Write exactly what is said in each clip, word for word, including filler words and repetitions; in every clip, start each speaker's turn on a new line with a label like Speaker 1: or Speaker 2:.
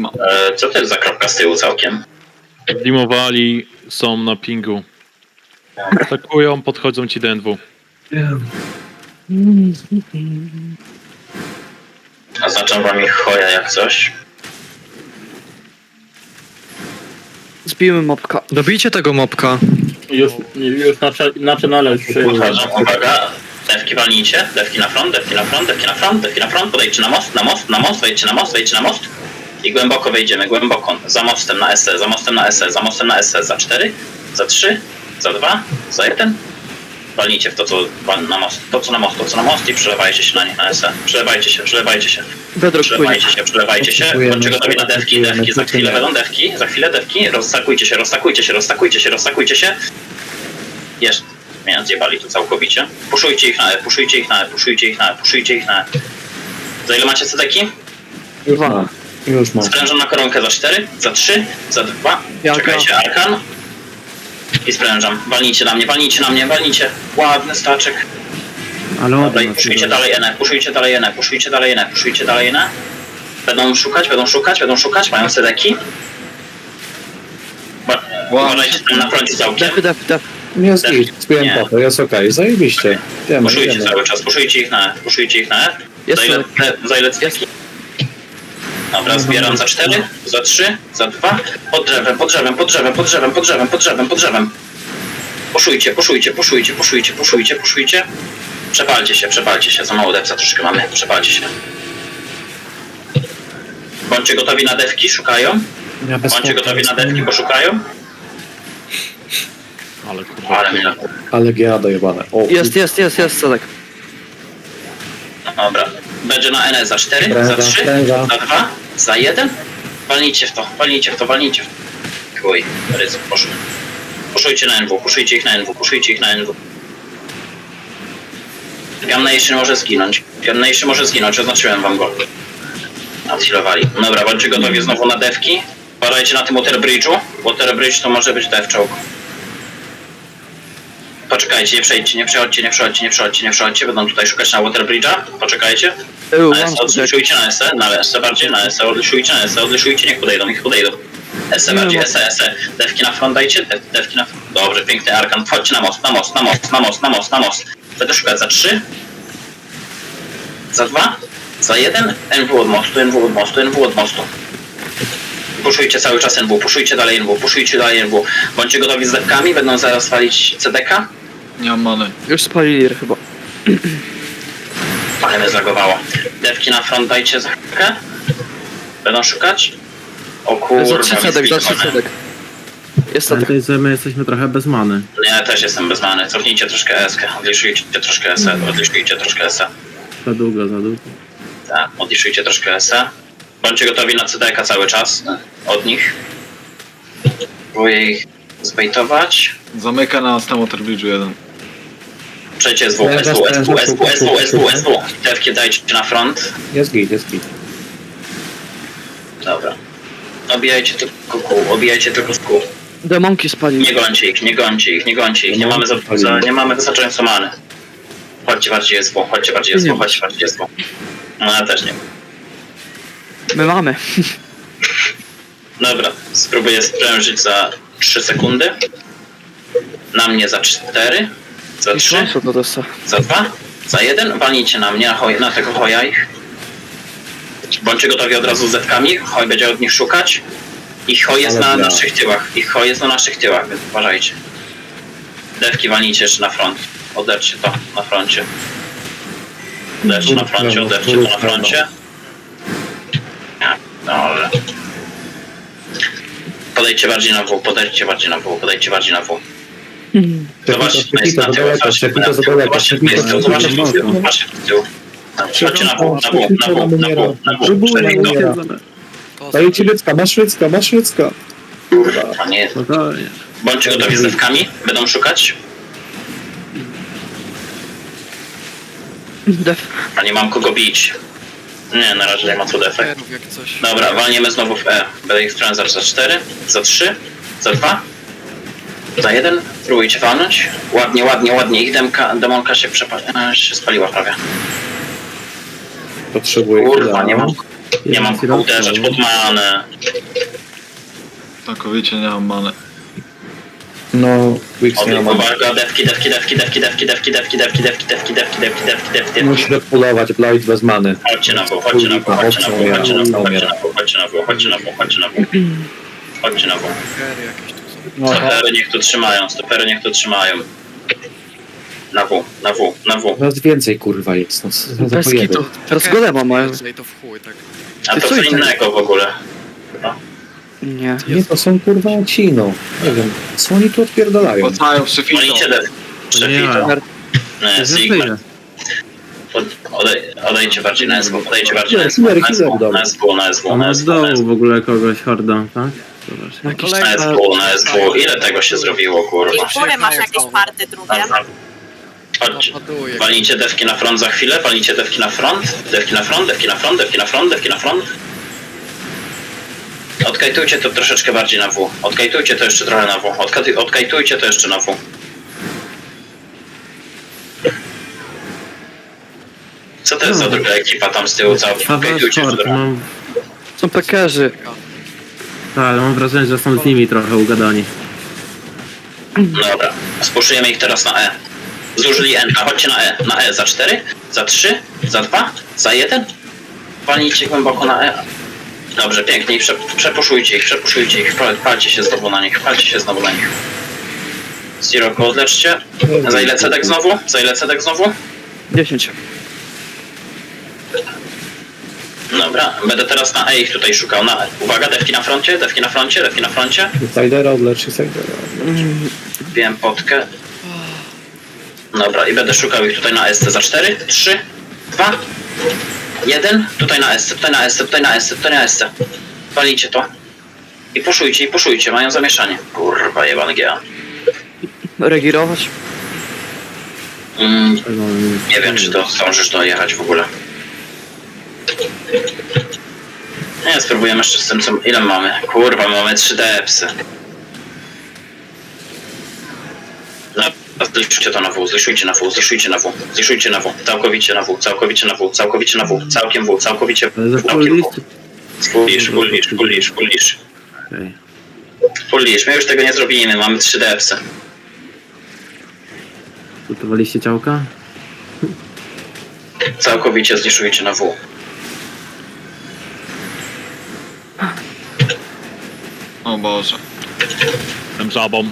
Speaker 1: E, co to jest za kropka z tyłu całkiem?
Speaker 2: Dimowali, są na pingu. Atakują, podchodzą ci do N W.
Speaker 1: Oznaczam wam ich choja jak coś.
Speaker 3: Zbijmy mopka.
Speaker 4: Dobijcie tego mopka.
Speaker 5: Już, już na, na czynale już
Speaker 1: Podchodzą, uwaga. Dewki walnijcie, dewki na front, dewki na front, dewki na front, dewki na front, podejdźcie na most, na most, na most, wejdźcie na most, wejdźcie na most. I głęboko wejdziemy, głęboko. Za mostem na S E, za mostem na S E, za mostem na S E, za cztery, za trzy, za dwa, za jeden. Walnijcie w to, co na most, to co na most, to co na most i przelewajcie się na nie, na S E. Przelewajcie się, przelewajcie się.
Speaker 3: Bedrock płynie.
Speaker 1: Przelewajcie się, przelewajcie się. Bądźcie gotowi na dewki, dewki, za chwilę będą dewki, za chwilę dewki. Rozstakujcie się, rozstakujcie się, rozstakujcie się, rozstakujcie się. Jeszcze. Mnie zjebali tu całkowicie. Puszujcie ich na E, puszujcie ich na E, puszujcie ich na E, puszujcie ich na E. Za ile macie cedeki?
Speaker 5: Już mam. Już mam.
Speaker 1: Sprężam na koronkę za cztery, za trzy, za dwa.
Speaker 3: Jaka?
Speaker 1: Czekajcie, arkan. I sprężam. Walnijcie na mnie, walnijcie na mnie, walnijcie. Ładny staczek.
Speaker 5: Ale
Speaker 1: Dobra, i puszujcie dalej N E, puszujcie dalej N E, puszujcie dalej N E, puszujcie dalej N E. Będą szukać, będą szukać, będą szukać, mają cedeki. Ba- Uważajcie tam na froncie całkiem.
Speaker 3: Def, def, def.
Speaker 5: Jest
Speaker 1: Def-
Speaker 5: git, spiłem
Speaker 1: nie.
Speaker 5: to, jest okej, zajebiście. Wiemy,
Speaker 1: Puszujcie
Speaker 5: wiemy.
Speaker 1: cały czas, puszujcie ich na E, puszujcie ich na E.
Speaker 3: Jest
Speaker 1: Za ile,
Speaker 3: cedek.
Speaker 1: za ile cedeki? Dobra, zbieram za cztery, za trzy, za dwa. Pod drzewem, pod drzewem, pod drzewem, pod drzewem, pod drzewem, pod drzewem, pod drzewem. Puszujcie, puszujcie, puszujcie, puszujcie, puszujcie, puszujcie. Przepalcie się, przepalcie się, za mało depsa troszkę mamy, przepalcie się. Bądźcie gotowi na dewki, szukają.
Speaker 5: Ja bez
Speaker 1: Bądźcie
Speaker 5: smoka,
Speaker 1: gotowi
Speaker 5: bez
Speaker 1: na dewki,
Speaker 5: smoka.
Speaker 1: bo szukają.
Speaker 2: Ale kurwa.
Speaker 1: Ale mnie...
Speaker 5: Ale G A dojebane. O,
Speaker 3: Jest, jest, jest, jest cedek.
Speaker 1: Dobra. Będzie na N E za cztery, za
Speaker 5: Pręża,
Speaker 1: trzy,
Speaker 5: pręża.
Speaker 1: za dwa, za jeden. Walnijcie w to, walnijcie w to, walnijcie w to. Chuj, ryzyk poszło. Puszujcie na N W, puszujcie ich na N W, puszujcie ich na N W. Gamnation może zginąć. Gamnation może zginąć, oznaczyłem wam go. Odhealowali. Dobra, bądźcie gotowi znowu na dewki. Badajcie na tym Water Bridge'u. Water Bridge to może być dev czołg. Poczekajcie, nie przejdźcie, nie przechodźcie, nie przechodźcie, nie przechodźcie, nie przechodźcie. Będą tutaj szukać na Water Bridge'a. Poczekajcie.
Speaker 3: Eł,
Speaker 1: Na
Speaker 3: mam
Speaker 1: S E,
Speaker 3: cedek.
Speaker 1: odliszujcie na S E, na S E bardziej, na S E, odliszujcie na S E, odliszujcie, niech podejdą, niech podejdą. S E bardziej, S E, S E. Dewki na front dajcie, dew, dewki na front. Dobrze, piękny arkan. Wchodźcie na most, na most, na most, na most, na most, na most. Będę szukać za trzy. Za dwa. Za jeden. N W od mostu, N W od mostu, N W od mostu. Puszujcie cały czas N W, puszujcie dalej N W, puszujcie dalej N W. Bądźcie gotowi z dewkami, będą zaraz walić C D K.
Speaker 4: Nie mam many.
Speaker 3: Już spalili chyba.
Speaker 1: Ale mnie zlagowało. Dewki na front dajcie za chwilkę. Będą szukać. O kurwa,
Speaker 3: Za trzy
Speaker 1: mnie
Speaker 3: cedek, za trzy
Speaker 1: zlikowany.
Speaker 3: cedek. Jest cedek.
Speaker 6: Pamiętaj, że my jesteśmy trochę bez many.
Speaker 1: Nie, też jestem bez many. Cofnijcie troszkę S K, odliszujcie troszkę S E, odliszujcie troszkę S E.
Speaker 6: Za długo, za długo.
Speaker 1: Tak, odliszujcie troszkę S E. Bądźcie gotowi na C D K cały czas od nich. Próbuję ich zbejtować.
Speaker 4: Zamyka nas na Water Bridge'u jeden.
Speaker 1: Przejdźcie S W, S W, S W, S W, S W, S W, S W. Dewki dajcie na front.
Speaker 5: jest git, jest git.
Speaker 1: Dobra. Obijajcie tylko kół, obijajcie tylko z kół.
Speaker 3: Demonki spalili.
Speaker 1: Nie gońcie ich, nie gońcie ich, nie gońcie ich. Nie mamy, za, za, nie mamy wystarczająco many. Chodźcie bardziej S W, chodźcie bardziej S W, chodźcie bardziej S W. No ja też nie.
Speaker 3: My mamy.
Speaker 1: Dobra, spróbuję sprężyć za trzy sekundy. Na mnie za cztery. Za
Speaker 3: I
Speaker 1: trzy.
Speaker 3: szansa to dosta.
Speaker 1: Za dwa. Za jeden. Walnijcie na mnie, na, hoj, na tego hoja ich. Bądźcie gotowi od razu z zetkami. Hoj będzie od nich szukać. Ich hoj jest
Speaker 5: Ale
Speaker 1: na
Speaker 5: bra.
Speaker 1: naszych tyłach. Ich hoj jest na naszych tyłach, więc uważajcie. Dewki walnijcie jeszcze na front. Oderwcie to na froncie. Oderwcie na froncie, oderwcie to na froncie. Dobra. Podejdźcie bardziej na W, podejdźcie bardziej na W, podejdźcie bardziej na W. Zobaczcie, to jest na tył, zobaczcie,
Speaker 5: Przepito za daleko,
Speaker 1: zobaczcie, to jest
Speaker 5: przepito
Speaker 1: tył,
Speaker 5: za
Speaker 1: zobaczcie, to jest tył,
Speaker 5: daleko.
Speaker 1: zobaczcie, to jest tył. Chodźcie na W, na W, na W, na W, na W, Przepito.
Speaker 5: Dajcie Rycka, masz Rycka, masz Rycka. Kurwa.
Speaker 1: A nie,
Speaker 6: Spokojnie.
Speaker 1: bądźcie gotowi z dewkami, będą szukać.
Speaker 3: Def.
Speaker 1: A nie mam kogo bić. Nie, na razie nie ma co defekt.
Speaker 4: Jak coś.
Speaker 1: Dobra, walniemy znowu w E. Będę ich sprężać za cztery, za trzy, za dwa, za jeden. Próbujcie walnąć. Ładnie, ładnie, ładnie. Ich demka, demonka się, przepa- e, się spaliła prawie.
Speaker 5: Potrzebuję
Speaker 1: Kurwa,
Speaker 5: chwila.
Speaker 1: nie mam. Nie mam kogo uderzać pod manę.
Speaker 4: Całkowicie nie mam many.
Speaker 5: No, Wix nie ma.
Speaker 1: Uwaga, dewki, dewki, dewki, dewki, dewki, dewki, dewki, dewki, dewki, dewki, dewki, dewki, dewki, dewki,
Speaker 5: Musi depulować, Blight bez many.
Speaker 1: Chodźcie na wół, chodźcie na wół, chodźcie na wół, chodźcie na wół, chodźcie na wół, chodźcie na wół, chodźcie na wół, chodźcie na wół. Chodźcie na wół. Stopery niech tu trzymają, stopery niech tu trzymają. Na wół, na wół, na wół.
Speaker 5: Nas więcej kurwa jest, no co za
Speaker 3: Bez
Speaker 5: pojeby.
Speaker 3: kitu. Teraz golema mają.
Speaker 7: To w chuj, tak.
Speaker 1: A to
Speaker 3: Ty
Speaker 1: co
Speaker 3: co idzie?
Speaker 1: innego w ogóle.
Speaker 3: Nie.
Speaker 5: Nie, to są kurwa ci, no. Nie wiem, co oni tu odpierdalają?
Speaker 4: Pocają przefitą.
Speaker 1: Walicie dew. Przefito. Nie, Sigma. Od- Odej, odejdźcie bardziej na S W, odejdźcie bardziej na S W,
Speaker 5: Killer,
Speaker 1: na
Speaker 5: killer,
Speaker 1: S W,
Speaker 5: dobra.
Speaker 1: na S W, na S W,
Speaker 6: A
Speaker 1: na
Speaker 6: ma
Speaker 1: S
Speaker 6: z
Speaker 1: W, na S
Speaker 6: dołu
Speaker 1: W,
Speaker 6: w ogóle kogoś horda, tak? Zobacz.
Speaker 3: Jakiś
Speaker 1: na
Speaker 3: tak.
Speaker 1: S W, na S W. Ile tego się zrobiło, kurwa?
Speaker 8: I góry masz jakieś party drugie.
Speaker 1: Chodźcie.
Speaker 7: Napaduje.
Speaker 1: Walnijcie dewki na front za chwilę, walnijcie dewki na front, dewki na front, dewki na front, dewki na front, dewki na front. Odkajtujcie to troszeczkę bardziej na W. Odkajtujcie to jeszcze trochę na W. Odkaj- Odkajtujcie to jeszcze na W. Co to jest za druga ekipa tam z tyłu? Cała
Speaker 6: Faweł
Speaker 1: odkajtujcie jeszcze
Speaker 6: Sport,
Speaker 1: trochę.
Speaker 6: mam...
Speaker 3: Są pekerzy.
Speaker 6: Tak, ale mam wrażenie, że są z nimi trochę ugadani.
Speaker 1: Dobra, spuszujemy ich teraz na E. Zużyli N, a chodźcie na E. Na E za cztery, za trzy, za dwa, za jeden. Walnijcie głęboko na E. Dobrze, pięknie. I prze, przepuszujcie ich, przepuszujcie ich. Pal- Palcie się znowu na nich, palcie się znowu na nich. Siroko, odleczcie. Za ile cedek znowu? Za ile cedek znowu?
Speaker 3: dziesięć.
Speaker 1: Dobra, będę teraz na E ich tutaj szukał. Na E. Uwaga, dewki na froncie, dewki na froncie, dewki na froncie.
Speaker 5: Sidera odlecz, Sidera.
Speaker 1: Wbiłem potkę. Dobra, i będę szukał ich tutaj na S C za cztery, trzy, dwa, jeden. Tutaj na S C, tutaj na S C, tutaj na S C, tutaj na S C. Walijcie to. I puszujcie, i puszujcie, mają zamieszanie. Kurwa, jebany G A.
Speaker 3: Regirować.
Speaker 1: Mm,
Speaker 6: Tego
Speaker 1: nie wiem, czy to zdążysz dojechać w ogóle. Nie, spróbujemy jeszcze z tym, co... Ile mamy? Kurwa, my mamy trzy D psy. No, zliszujcie to na W, zliszujcie na W, zliszujcie na W, zliszujcie na W, całkowicie na W, całkowicie na W, całkowicie na W, całkiem W, całkowicie
Speaker 6: Ale za
Speaker 1: W,
Speaker 6: full
Speaker 1: całkiem
Speaker 6: list?
Speaker 1: W. Full lisz, full lisz, full lisz, full lisz.
Speaker 6: Okej.
Speaker 1: Full lisz, my już tego nie zrobimy, mamy trzy D psy.
Speaker 6: Gotowaliście ciałka?
Speaker 1: Całkowicie zliszujcie na W.
Speaker 4: O Boże.
Speaker 2: Tym żabą.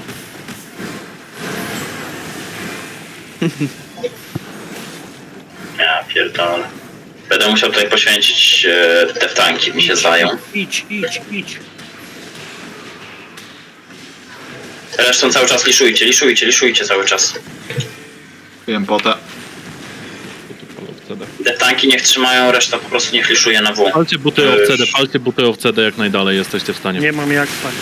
Speaker 1: Ja pierdolę. Będę musiał tutaj poświęcić e, te tanki, mi się zdają.
Speaker 9: Idź, idź, idź.
Speaker 1: Resztą cały czas liszujcie, liszujcie, liszujcie cały czas.
Speaker 4: Wiem potę.
Speaker 1: Te tanki niech trzymają, reszta po prostu niech liszuje na W.
Speaker 2: Palcie buty of C D, palcie buty of C D jak najdalej jesteście w stanie.
Speaker 9: Nie mam jak spać.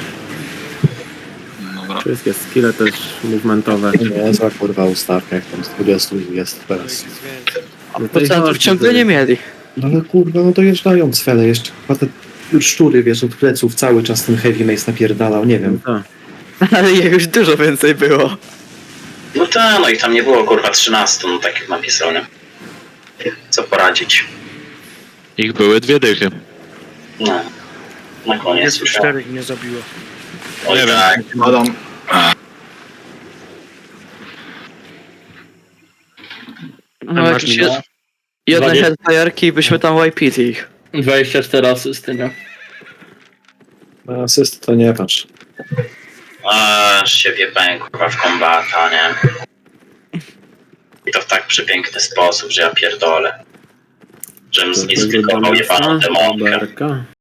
Speaker 4: Dobra.
Speaker 6: Wszystkie skille też movementowe.
Speaker 5: Nie, za kurwa ustawka, jak tam z dwudziestu jest teraz.
Speaker 6: No to i
Speaker 3: Procentów
Speaker 6: chodź,
Speaker 3: ciągle
Speaker 6: to-
Speaker 3: nie mieli.
Speaker 5: No ale kurwa, no dojeżdżają cwele jeszcze. Chyba te szczury, wiesz, od pleców cały czas ten heavy mace napierdalał, nie wiem.
Speaker 6: Tak.
Speaker 3: Ale ich już dużo więcej było.
Speaker 1: No ta, no i tam nie było kurwa trzynastu, no tak jak napisał, nie? Co poradzić?
Speaker 2: Ich były dwie dychy.
Speaker 1: No. Na koniec
Speaker 9: Jest
Speaker 1: już.
Speaker 9: czterech mnie zabiło.
Speaker 1: Oj
Speaker 2: Nie wiem.
Speaker 1: tak.
Speaker 4: Badam.
Speaker 3: No jakieś jed... jedne
Speaker 10: Dwadzieścia-
Speaker 3: headfire'ki i byśmy tam wipili ich.
Speaker 10: dwadzieścia cztery asysty, nie?
Speaker 5: Na asyst to nie patrz.
Speaker 1: Aż się wjebałem kurwa w kombata, nie? I to w tak przepiękny sposób, że ja pierdolę. Żebym zmisklikował jebaną demonkę.
Speaker 6: Berka.